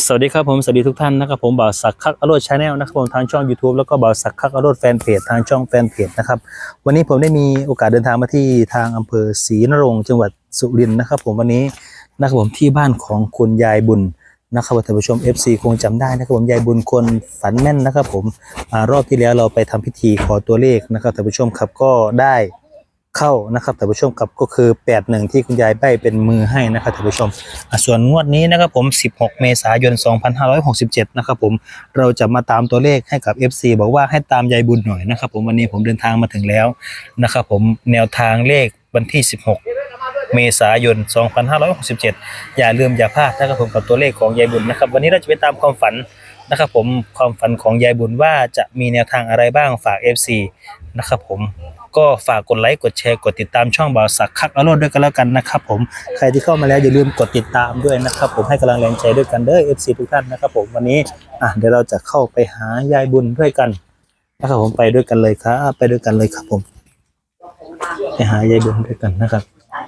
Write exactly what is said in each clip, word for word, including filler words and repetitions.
สวัสดีครับผมสวัสดีทุกท่านนะครับผมบ่าวศักดิ์คักอโรจน์ชาแนลนะครับผมทางช่อง YouTube แล้วก็บ่าวศักดิ์คักอโรจน์แฟนเพจทางช่องแฟนเพจนะครับวันนี้ผมได้มีโอกาสเดินทางมาที่ทางอำเภอศรีนรงค์จังหวัดสุรินทร์นะครับผมวันนี้นะครับผมที่บ้านของคุณยายบุญนะครับท่านผู้ชม เอฟ ซี คงจำได้นะครับผมยายบุญคนฝันแม่นนะครับผมอ่ารอบที่แล้วเราไปทำพิธีขอตัวเลขนะครับท่านผู้ชมครับก็ได้เข้านะครับท่านผู้ชมครับก็คือแปดหนึ่งที่คุณยายใบ้เป็นมือให้นะครับท่านผู้ชมส่วนงวดนี้นะครับผมสิบหกเมษายนสองพันห้าร้อยหกสิบเจ็ดนะครับผมเราจะมาตามตัวเลขให้กับ เอฟ ซี บอกว่าให้ตามยายบุญหน่อยนะครับผมวันนี้ผมเดินทางมาถึงแล้วนะครับผมแนวทางเลขวันที่สิบหกเมษายนสองพันห้าร้อยหกสิบเจ็ดอย่าลืมอย่าพลาดนะครับผมกับตัวเลขของยายบุญนะครับวันนี้เราจะไปตามความฝันนะครับผมความฝันของยายบุญว่าจะมีแนวทางอะไรบ้างฝาก เอฟ ซี นะครับผมก็ฝากกดไลค์กดแชร์กดติดตามช่องบ่าวศักดิ์คักอโรจน์ด้วยกันแล้วกันนะครับผมใครที่เข้ามาแล้วอย่าลืมกดติดตามด้วยนะครับผมให้กำลังแรงใจด้วยกันเด้อ เอฟ ซี ทุกท่านนะครับผมวันนี้อ่ะเดี๋ยวเราจะเข้าไปหายายบุญด้วยกันนะครับผมไปด้วยกันเลยครับไปด้วยกันเลยครับผมไปหายายบุญด้วยกันนะครับ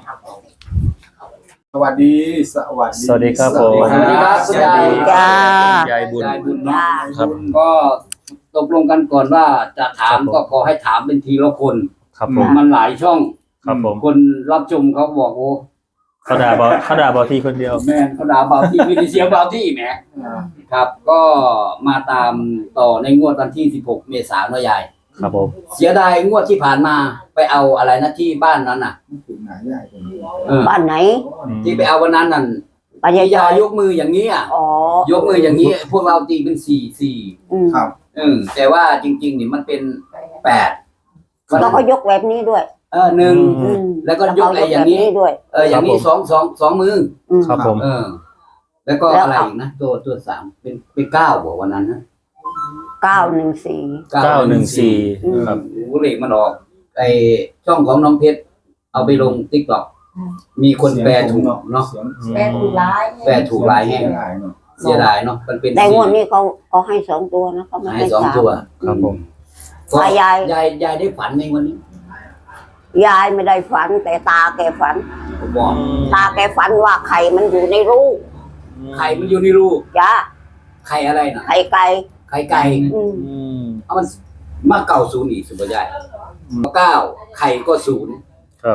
สวัสดีสวัสดีสวัสดีครับผมสวัสดีครับสวัสดีจ้ายายบุญยายบุญเนาะครับก็ตกลงกันก่อนว่าจะถามก็ขอให้ถามเป็นทีละคนครับผมมันหลายช่องครับผมคนรับชมเขาบอกโอ้เขาด่าบอเขาด่าบอทีคนเดียวแม่นเขาด่าเบาที่มีแต่เสียงเบาที่แหมครับ ก็มาตามต่อในงวดวันที่สิบหกเมษายนยายครับผมเสียดายงวดที่ผ่านมาไปเอาอะไรนะที่บ้านนั้นน่ะถึงไหนใหญ่กันเออบ้านไหนที่ไปเอาวันนั้นนั่นปายายยายยกมืออย่างนี้อ่ะอ๋อยกมืออย่างนี้ พวกเราตีเป็นสี่สี่อืมครับเออแต่ว่าจริงๆนี่มันเป็นแปดแล้วก็ยกแบบนี้ด้วยเออหนึ่งอืมแล้วก็ยกอะไรอย่างนี้นี้ด้วยเอออย่างนี้สองสองสองมืออืมครับผมเออ แล้วก็แล้วอะไรอีกนะตัวตัวสามเป็นเป็นเก้าบอกวันนั้นนะเก้าหนึ่งสี่เก้าหนึ่งสี่อืมครับโอ้โหเลขมันออกไอช่องของน้องเพชรเอาไปลงติ๊กต็อกมีคนแปลถูกเนาะเสียงแปลถูกร้ายแปลถูกหลายแห่งเสียงหลายเนาะเสียดายเนาะมันเป็นแต่งวดนี้เขาเขาให้สองตัวนะเขาไม่ให้ให้สองสามตัวครับผมก็อ่ะยายยายยายได้ฝันในวันนี้ยายไม่ได้ฝันแต่ตาแกฝันผมบอกตาแกฝันว่าไข่มันอยู่ในรูปไข่มันอยู่ในรูจ้าไข่อะไรนะไข่ไก่ไข่ไก่อืมอืมเอามันมาเก่าศูนย์อีกสุภาพใหญ่เก้าไข่ก็ศูนย์ครับ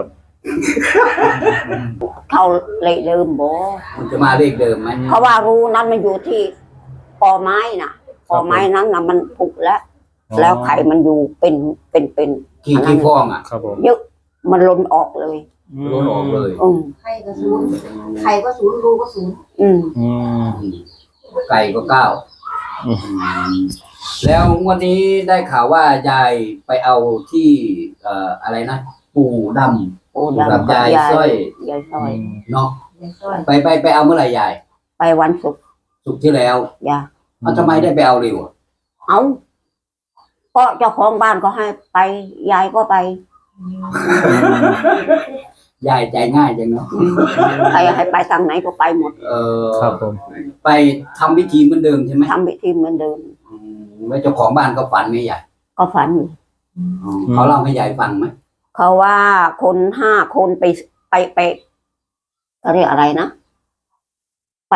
เขาเลยเดิมโบมันจะมาเลขเดิมไหมเพราะว่ารูนั้นมันอยู่ที่ปอไม้น่ะปอไม้นั้นน่ะมันผุแล้ว แล้วไข่มันอยู่เป็นเป็นเป็นกี่กี่ฟองอ่ะครับผมเยอะมันล้นออกเลยล้นออกเลยอืมไข่ก็ศูนย์ไข่ก็ศูนย์รูก็ศูนย์อืมอืมไก่ก็เก้าอืมแล้ววันนี้ได้ข่าวว่ายายไปเอาที่เอ่ออะไรนะปู่ดโอ้กับดำยายสร้อยยายสร้อยำเนาะเป็นต้นไปไปไปเอาเมื่อไหร่ยายไปวันศุกร์สุกร์ที่แล้วยาเอาทำไมได้ไปเอาเร็วอะเอาก็เจ้าของบ้านก็ให้ไปยายก็ไปยายใจง่ายจังเนาะใครให้ไปทางไหนก็ไปหมดเออครับผมไปทำพิธีเหมือนเดิมใช่ไหมทำพิธีเหมือนเดิมอืมแล้วเจ้าของบ้านก็ฝันไหมยายก็ฝันอยู่อ๋อเขาเล่าให้ยายฟังไหมเขาว่าคนห้าคนไปไปไปเขาเรียกอะไรนะ ไป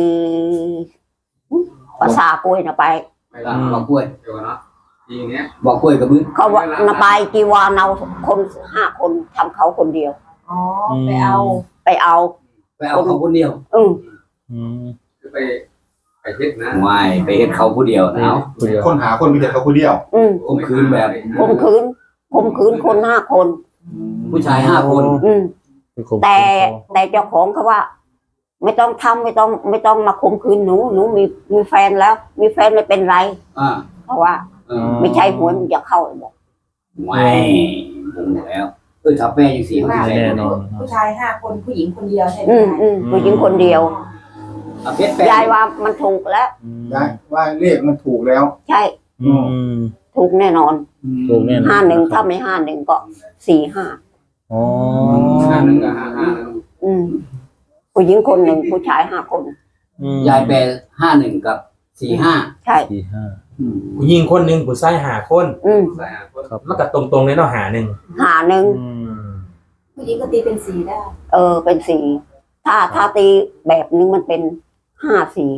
ภาษากล้วยนะไปบอกกล้วยบอกกล้วยกับมือเขาว่านาไปจีวานเอาคนห้าคนทำเขาคนเดียวอ๋อไปเอาไปเอาไปเอาเขาคนเดียวอืมอืมไปไปเฮ็ดนะไม่ไปเฮ็ดเขาผู้เดียวนะเอาคุยกันคนหาคนมีแต่เขาคนเดียวอืมข่มขืนแบบข่มขืนข่มขืนคนห้าคนผู้ชายห้าคนอืมคือข่มขืนแต่เขาแต่เจ้าของเขาว่า ไม่ต้องทำไม่ต้อง ไม่ต้องมาข่มขืนหนูหนูมีมีแฟนแล้ว มีแฟนไม่เป็นไรอ่าเพราะว่าเออไม่ใช่หวยมันจะเข้าบอกไม่ผมแล้วเออถ้าแม่ยังสี่เขาที่ไหนแน่นอนผู้ชายห้าคนผู้หญิงคนเดียวใช่ไหมอืมอืมผู้หญิงคนเดียวเอาเพชรแปดยายว่ามันถูกแล้วได้ว่าเลขมันถูกแล้วใช่อืมถูกแน่นอนถูกแน่นอนห้าหนึ่งถ้าไม่ห้าหนึ่งก็สี่ห้าอ๋อห้าหนึ่งกับห้าห้าอืมผู้หญิงคนหนึ่งผู้ชายห้าคนอืมยายแปดห้าหนึ่งกับสี่ห้าใช่สี่ห้าผู้หญิงคนหนึ่งผู้ชายหาคนอืมครับมันก็ตรงๆเลยเนาะหาหนึ่งหาหนึ่งอืมผู้หญิงก็ตีเป็นสีได้เออเป็นสี่ถ้าถ้าตีแบบนึงมันเป็นห้าสี่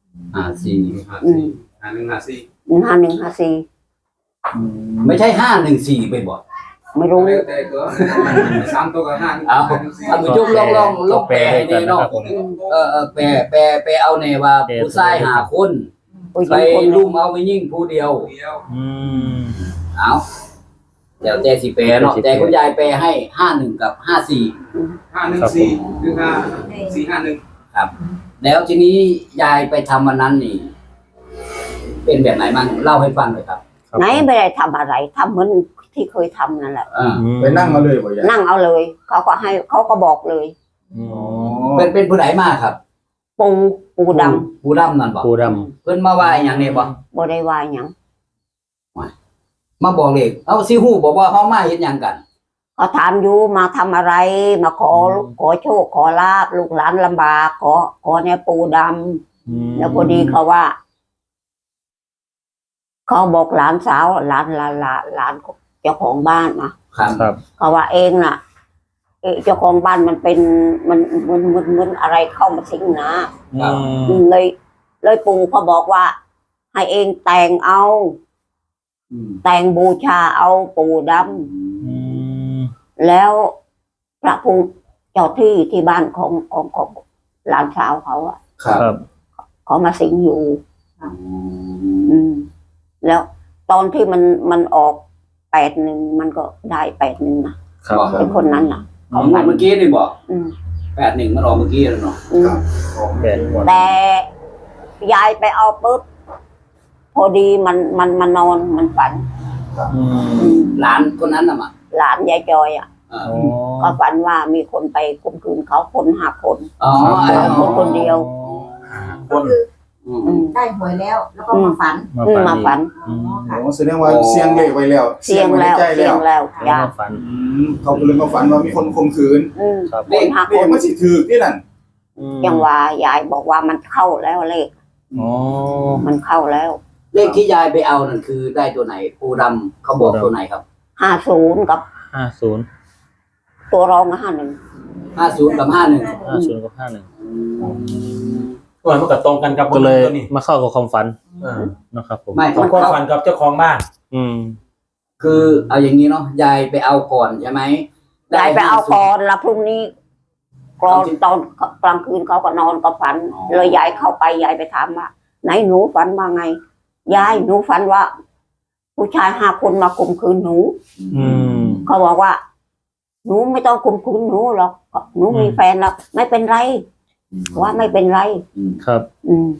ห้าสี่ห้าสี่ห้าหนึ่งห้าสี่หนึ่งห้าหนึ่งห้าสี่อืมไม่ใช่ห้าหนึ่งสี่ไปบ่ไม่รู้แต่ตัวสามตัวกับห้าเอาท่านผู้ชมลองลองลองแปลให้แน่เนาะเออเออแปลแปลแปลเอาแน่ว่าผู้ชายหาคนผู้หไปญิงคนหลุนึ่งมเอาไปยิ่งผู้เดียวเดียวอืมเอาเดี๋ยวแต่สิแปลเนาะแต่คุณยายแปลให้ห้าหนึ่งกับห้าสี่ห้าหนึ่งสี่หนึ่งห้าสี่ห้าหนึ่งครับ แล้วทีนี้ยายไปทำวันนั้นนี่ เป็นแบบไหนบ้างเล่าให้ฟังหน่อยครับครับไหนไม่ได้ทำอะไรทำเหมือนที่เคยทำนั่นแหละอ่าไปนั่งมาเลยบ่ยายนั่งเอาเลย เขาก็ให้เขาก็บอกเลยอืมอ๋อเป็นเป็นผู้ใดมาครับปูปูดผู้ดำนั่นบอกปูดเพิ่นมาว่าอย่างนี้บ่ำบ่ได้ว่าหยังมาบอกเลยเอาซิฮู้บอกว่าเฮามาเฮ็ดหยังกันเขาถามอยู่มาทำอะไร มาขอขอโชคขอลาบลูกหลานลำบาก ขอขอเนี่ยปูดำอืมำแล้วพอดีเขาว่า เขาบอกหลานสาวหลานหลานหลานหลานเจ้าของบ้านนะครับครับเขาว่าเองน่ะ เอ๊ะเจ้าของบ้านมันเป็นมันมันมันมันอะไรเข้ามาสิงนะอืมเลย เลยปู่เขาบอกว่า ให้เองแต่งเอาอืมแต่งบูชาเอาปู่ดอืมำแล้วพระภูมิเจ้าที่ที่บ้านของของของหลานสาวเขาอะครับครับเขามาสิงอยู่ อืม แล้วตอนที่มันมันออกแปดหนึ่งมันก็ได้แปดหนึ่งนะครับ เป็นคนนั้นน่ะของเมื่อกี้นี่บอกอืมแปดหนึ่งมันออกเมื่อกี้แล้วเนาะอืมครับของแปดหมดแต่ยายไปเอาปุ๊บพอดีมันมันมานอนมันฝันอืมอืมหลานคนนั้นน่ะมาหลานยายจอยอ่ะอ่าอ๋อก็ฝันว่ามีคนไปข่มขืนเขาคนห้าคนอ๋อแต่คนคนเดียวก็คืออืมอืมได้หวยแล้ว แล้วก็มาฝันมาอืมฝันมาอีกฝันอืมโอ้แสดงว่าเสียงเลขไว้แล้วเสียงไว้ในแล้วใจเสีแล้ยงวแล้วยามาฝันอืมเขาก็เลยมาฝันว่ามีคนข่มขืนอืมครับคนห้าเลคขนมันสิถือที่นั่นอืมยังว่ายายบอกว่ามันเข้าแล้วเลขอ๋อมันเข้าแล้วเลขที่ยายไปเอานั่นคือได้ตัวไหนปูดำเขาบอกตัวไหนครับห้าศูนย์กับห้าศูนย์ตัวรองห้าหนึ่งห้าศูนย์กับห้าหนึ่งห้าศูนย์กับห้าหนึ่งตัวมันก็ตรงกันกับก็เลยตัวนี้มาเข้ากับความฝันเออนะครับผมไม่ตรงความฝันกับเจ้าของบ้านอืมคือเอาอย่างนี้เนาะยายไปเอาก่อนใช่ไหมยายไปเอาก่อนแล้วพรุ่งนี้กรอนตอนกลางคืนเขาก็นอนก็ฝัน เลยยายเข้าไปยายไปถามว่าไหนหนูฝันว่าไงยายหนูฝันว่า ผู้ชายห้าคนมาข่มขืนหนูอืมเขาบอกว่า หนูไม่ต้องข่มขืนหนูหรอกหนูมีอืมแฟนแล้วไม่เป็นไรว่าไม่เป็นไรครับอืม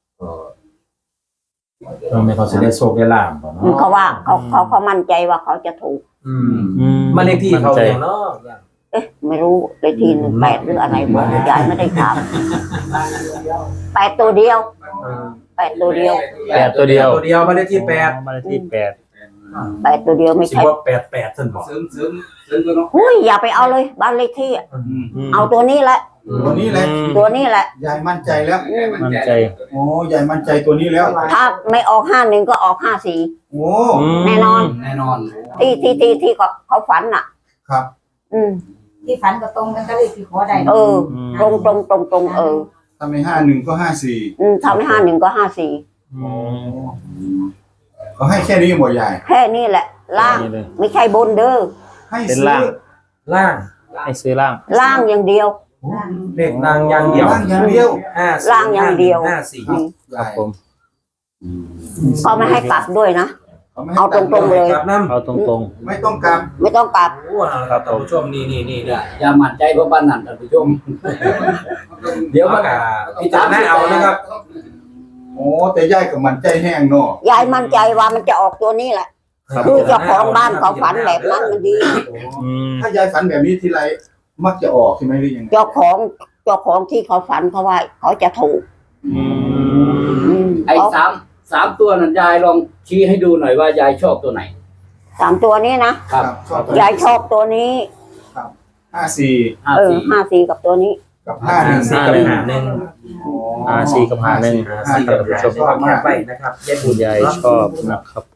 เราไม่เขาจะได้โชคได้ลาบบ่เนาะเขาว่าเขาเขาเขามั่นใจว่าเขาจะถูกอืมอืมมานเลขที่เขามั่นใจอย่างเนาะเอ๊ะ ไม่รู้เลยทีหนึ่งแปดหรืออะไรบอกยายไม่ได้ถามแปดตัวเดียวแปดตัวเดียวแปดตัวเดียวตัวเดียวมานเลขที่แปดมาเลขที่แปดแปดตัวเดียวไม่สิใช่ว่าแปดแปดท่านบอกเสริมเสริมเสริมตัวเนาะหุ้ยอย่าไปเอาเลยบ้านเลขที่อะอืมมเอาตัวนี้แหละตัวนี้แหละอืมตัวนี้แหละยายมั่นใจแล้วมั่นใจโอ้ยายมั่นใจตัวนี้แล้วถ้าไม่ออกห้าหนึ่งก็ออกห้าสี่โอ้มแน่นอนแน่นอนที่ที่ที่ที่เขาเขาฝันน่ะครับอืมที่ฝันก็ตรงกันก็เลยที่ขอได้เออมตรงตรงตรงตรงเออถ้าไม่ห้าหนึ่งก็ห้าสี่อืมทำให้ห้าหนึ่งก็ห้าสี่อืมเขาให้แค่นี้หมดยายแค่นี้แหละ ล่างนี่เลยไม่ใช่บนเด้อให้เป็นซื้อล่างล่างให้ซื้อล่างล่างอย่างเดียวเลขนางอย่างเดียวล่างอย่างเดียวห้าล่างอย่างเดียวห้าสี่อืมครับผมเขาไม่ให้กลับด้วยนะเขาไม่ให้เอาตรงๆเลยครับน้ำเอาตรงไม่ต้องกลับไม่ต้องกลับโอ้ครับท่านผู้ชมนี่นี่นี่อย่าอย่ามั่นใจเพราะบ้านนั่นท่านผู้ชม เดี๋ยวเดี๋ยวมัมาน พิจารณาเอานะครับโอ้แต่ยายกับมันใจแห้งเนาะยายมั่นใจว่ามันจะออกตัวนี้แหละครับคือเจ้าของบ้านเขาฝันแบบนั้นมันดีๆอืมถ้ายายฝันแบบนี้ทีไรมักจะออกใช่ไหมหรือยังไงเจ้าของเจ้าของที่เขาฝันเขาว่า เขาจะถูกอืมอืมไอ้เขาสามสามตัวนั้นยายลองชี้ให้ดูหน่อยว่ายายชอบตัวไหนสามตัวนี้นะครับชอบยายชอบตัวนี้ห้าสี่ห้าเออสี่ห้าสี่กับตัวนี้กับห้าหนึ่งสี่กับหาหนึ่งห้าสี่กับห้าหนึ่งสี่กับหาหนึ่งชมความแคบไปนะครับยายบุคุญณยายเนาะชอบนะครับผ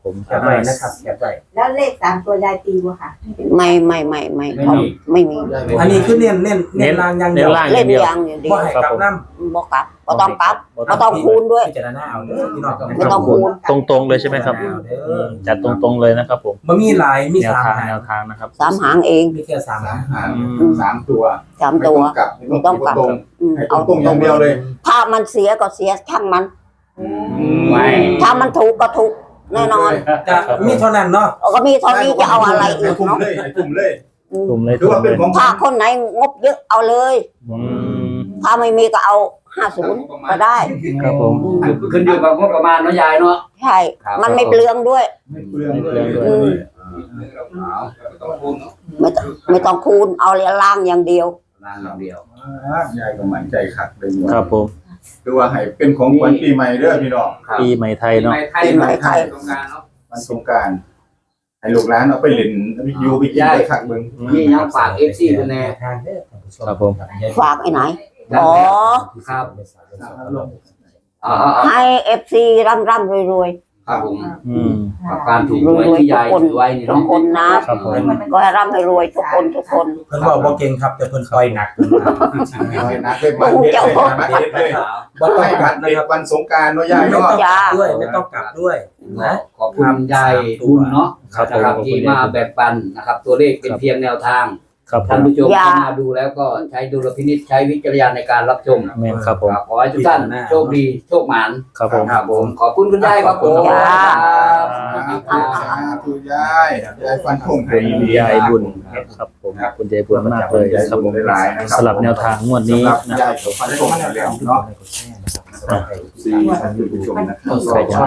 ผมแคปไว้นะครับแคปไว้แล้วเลขสามตัวยายตีบ่ค่ะไม่ไม่ไม่ไม่เขาไม่มีอันนี้คือเน้นเน้นเน้นลางอย่างเดียวล่างอเล่ย่าน งเดียวอย่างอย่างเดียบ่วให้กลับน้ำบอกกลับก็ต้องกลับก็ต้องคูณด้วยพิจารณาเอาเด้อพี่น้องไม่ต้องคูณตรงๆเลยใช่ไหมครับเอาเด้อจัดตรงๆเลยนะครับผมมันมีหลายมีแนวสามทางหางแนวทางนะครับสามหางเองมีแค่สามสาหาม งหางสามตัวสามไม่ตัต้วองกลับไม่ต้องกลับตรงอืมให้ตเอารงๆอย่างเดียวเลยถ้ามันเสียก็เสียช่างมันไม่ถ้ามันถูกก็ถูกแน่นอนจะมีเท่านั้นเนาะก็มีเท่านี้จะเอาอะไรอีให้กทุ่มเนาะเลยให้ทุ่มเลยอืมกลุ่มเลยถือว่าเป็นของถ้าคนไหนงบเยอะเอาเลยอืมถ้าไม่มีก็เอาห้าศูนย์ก็ได้ครับผมขึ้นอยู่กับงบประมาณเนาะยายเนาะใช่ครับมันไม่เปลืองด้วยไม่เปลืองเลยอืมเอาต้องคูณเนาะไม่ต้องไม่ต้องคูณเอาเรียล่างอย่างเดียวล้านอย่างเดียวยายก็มั่นใจขัดเลยหมดครับผมคือว่าให้เป็นของขวัญปีใหม่เด้อพี่น้องครับปีใหม่ไทยเนาะไทยปีใหม่ไทยตรงกลางเนาะวันสงกรารให้ลูกหลานเอาไปเล่นอยูไปกินไปขัดเบิ่งนี่ยังฝาก เอฟ ซี ด้วยแน่ทางเด้อท่านผู้ชมครับผมฝากไอ้ไหน อ๋อครับอ่าๆให้เอฟซีร่ำร่ำรวยรวยๆครับผมอืมกับการถูกหวยที่ยายถือไว้นี่ทุกเนาะคนนะครับผมก็ให้ร่ำให้รวยทุกคนทุกคนเพิ่นบอกบ่เก่งครับแต่เพิ่นปล่อยหนักเพิ่นมาเอาให้นักเลยบัตรเด็ดเลยบัตรเด็ดเลยบ่ต้องให้กบัลัตบรนะเด็ดครับวันสงกรารเนาะยายไม่เนาะต้องกลับด้วยไม่ต้องกลับด้วยนะขอบคุณยายบุญเนาะครับผมนะครับขอบคุณที่มาแบ่งปันนะครับ ตัวเลขเป็นเพียงแนวทางครับผท่านมผู้ชมเข้ามาดูแล้วก็ใช้ดุลพินิจใช้วิจารณญาณในการรับชมแม่นครับผมครับขอให้ทุกท่านโชคดีโชคหมานครับผมครับผมขอบคุณคุณยายครับผมจ้าสาธุยายยายฟันคงเป็นยายบุญครับผมคุณยายบุญมากเลยครับผมหลายๆนะครับสลับแนวทางงวดนี้สำหรับนะยายฟันคงแล้วเนาะสี่ท่านผู้ชมนะครับใส่ช่อง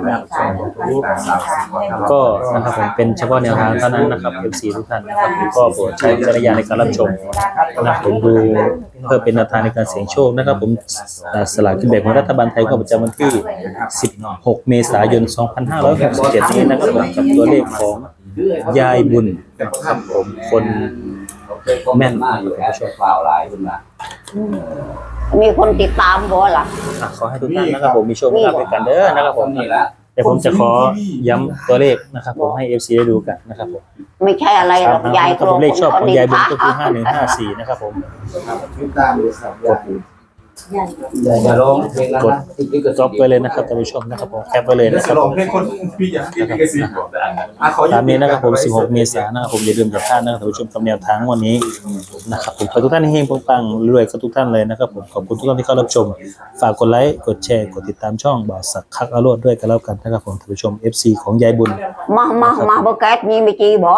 นะครับก็นะครับผมเป็นเฉพาะแนวทางเท่านั้นนะครับ เอฟ ซี ทุกท่านนะครับก็โปรดใช้วิจารณญาณในการรับชมนะครับผมดูเพื่อเป็นแนวทางในการเสี่ยงโชคนะครับผมอ่าสลากกินแบ่งของรัฐบาลไทยก็ประจำวันที่ สิบหก เมษายน สองพันห้าร้อยหกสิบเจ็ด นี้นะครับผมกับตัวเลขของยายบุญนะครับผมคนแม่นมากอยู่แอปฝ่าวหลายคุณล่ะมีคนติดตามบ่ล่ะอ่ะขอให้ทุกท่านนะครับผมมีโชคมีลาภด้วยกันเด้อนะครับผมนี่ละเดี๋ยวผมจะขอย้ำตัวเลขนะครับผมให้ เอฟ ซี ได้ดูกันนะครับผมไม่ใช่อะไรหรอกยายครับผมเลขชอบของยายบุญก็คือห้าหนึ่งห้าสี่นะครับผมติดตามเลยครับยายอย่าร้องเพลงแล้วนะติดลิขสิทธิ์จ็อบไว้เลยนะครับท่านผู้ชมนะครับผมแคปไว้เลยแล้วนะคจะรับลผองมเพลงคนพี่อยากกินกระสีบอกได้อ่ะขอตามนี้นะครับผม สิบหก เมษายนนะครับผมอย่าลืมอย่าพลาดนะครับท่านผู้ชมกับแนวทางวันนี้นะครับผมขอทุกท่านเฮงปังๆรวยกับทุกท่านเลยนะครับผมขอบคุณทุกท่านที่เข้ารับชมฝากกดไลค์กดแชร์กดติดตามช่องบ่าวสักคักอรวดด้วยกันแล้วกันนะครับผมท่านผู้ชม เอฟ ซี ของยายบุญมามามาเบอร์แก๊สมีไม่จีบ่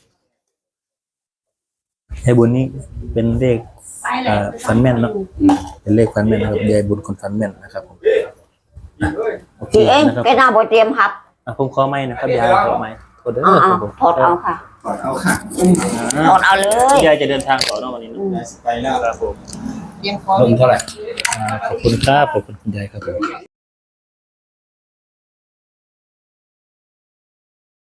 ยายบุญนี่เป็นเลขอ่าฟันแม่นเนาะเป็นเลขฟันแม่นนะครับยายบุญคนฟันแม่นนะครับผมโอเคพี่เองนะครับแกหน้าบ่เตรียมหับอ่ะผมขอไม่นะครับยายขอไม่โทษเด้ออ่าครับผมถอดเอาค่ะก่อนเอาค่ะถอดเอาเลยยายจะเดินทางต่อเนอกวันนี้เนอะไปแล้วครับผมลงเท่าไหร่อ่าขอบคุณครับขอบคุณคุณยายครับผม